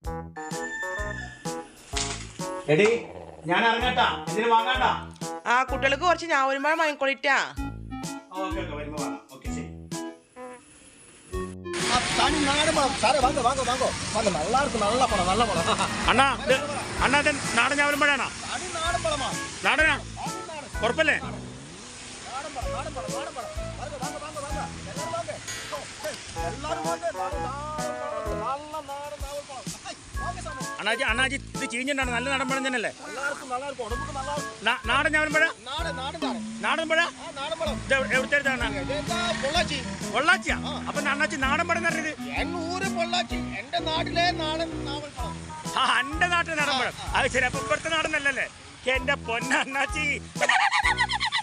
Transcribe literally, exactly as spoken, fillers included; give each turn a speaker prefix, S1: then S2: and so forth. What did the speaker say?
S1: എടി ഞാൻ ഇറങ്ങട്ടാ, ഇതിന് വാങ്ങാണ്ടാ.
S2: ആ കുട്ടികൾക്ക് കുറച്ച് ഞാവലുമ്പഴം വാങ്ങിക്കൊള്ളിട്ടാ.
S1: ഓക്കെ ഓക്കെ വരുമ്പോ വാങ്ങാം. ഓക്കെ ശരി.
S3: தனி நாடு பழம் சாரே வாங்க வாங்க வாங்க வாங்க நல்லா இருக்கு நல்ல பழம் நல்ல பழம்
S1: അണ്ണാ ഇത് അണ്ണാ ഇത് നാടൻ ഞാവലുമ്പഴാണോ?
S3: தனி நாடு பழமா
S1: നാടനാ? ഉറപ്പല്ലേ?
S3: நாடன் பழம் நாடன் பழம் நாடன் பழம் வாங்க வாங்க வாங்க வாங்க எல்லாரும் வாங்க எல்லாரும் வாங்க நல்ல நாடன் நாவல் பழம் வாங்க சாமி
S1: അണ്ണാജി അണ്ണാജി ഇത് ചീഞ്ഞിട്ടാണ്, നല്ല നാടൻ പഴം തന്നെയല്ലേ?
S3: நல்லா இருக்கு நல்லா இருக்கு உடம்புக்கு நல்லா இருக்கு.
S1: നാടൻ ഞാവലുമ്പഴ?
S3: நாடு നാடு നാട്
S1: നാടൻ പഴ?
S3: ആ നാടൻ പഴം
S1: ഇത് എവിടുത്തെ അണ്ണാ?
S3: ഇതെന്താ പൊള്ളാച്ചി
S1: പൊള്ളാച്ചിയാ? അപ്പൊ അണ്ണാച്ചി നാടൻ പഴം പറഞ്ഞത്?
S3: എന്റെ ഊര് പൊള്ളാച്ചി, എന്റെ നാട്ടിലെ നാടൻ നാവൽ പഴം.
S1: ആ എന്റെ നാട്ടിലെ നാടൻ പഴം. അത് ശരി. അപ്പൊ ഇവിടുത്തെ നാടനല്ലല്ലേ? എന്റെ പൊന്ന അണ്ണാച്ചി.